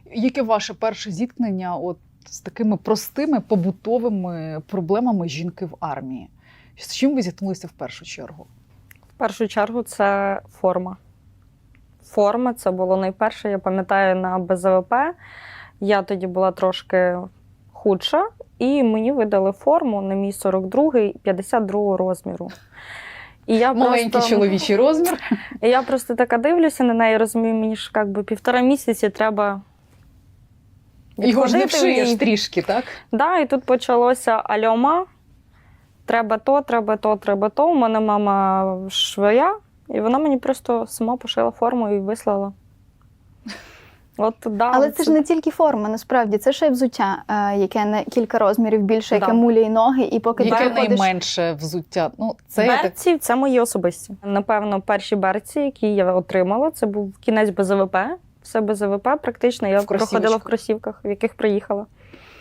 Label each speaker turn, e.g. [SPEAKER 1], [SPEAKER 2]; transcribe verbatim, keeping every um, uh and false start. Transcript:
[SPEAKER 1] Яке ваше перше зіткнення от з такими простими побутовими проблемами жінки в армії? З чим ви зіткнулися в першу чергу?
[SPEAKER 2] В першу чергу це форма. Форма – це було найперше, я пам'ятаю, на Б З В П. Я тоді була трошки худша, і мені видали форму на мій сорок другий, п'ятдесят другого розміру. І я
[SPEAKER 1] Маленький
[SPEAKER 2] просто,
[SPEAKER 1] чоловічий розмір.
[SPEAKER 2] і я просто така дивлюся на неї, розумію, мені ж як би півтора місяці треба
[SPEAKER 1] Його ж не
[SPEAKER 2] відходити в
[SPEAKER 1] вшиєш
[SPEAKER 2] ній.
[SPEAKER 1] трішки, так?
[SPEAKER 2] Да, і тут почалося альома. Треба то, треба то, треба то. У мене мама швея, і вона мені просто сама пошила форму і вислала. От, да,
[SPEAKER 3] Але це ж не тільки форма, насправді. Це ще й взуття, е, яке на кілька розмірів більше, яке
[SPEAKER 2] Да.
[SPEAKER 3] муляє ноги, і поки ти
[SPEAKER 1] Яке
[SPEAKER 3] приходиш...
[SPEAKER 1] найменше взуття? Ну, це я так...
[SPEAKER 2] берці – це мої особисті. Напевно, перші берці, які я отримала, це був кінець Б З В П. Все Б З В П практично. Я
[SPEAKER 1] В кросівочках.
[SPEAKER 2] проходила в кросівках, в яких приїхала.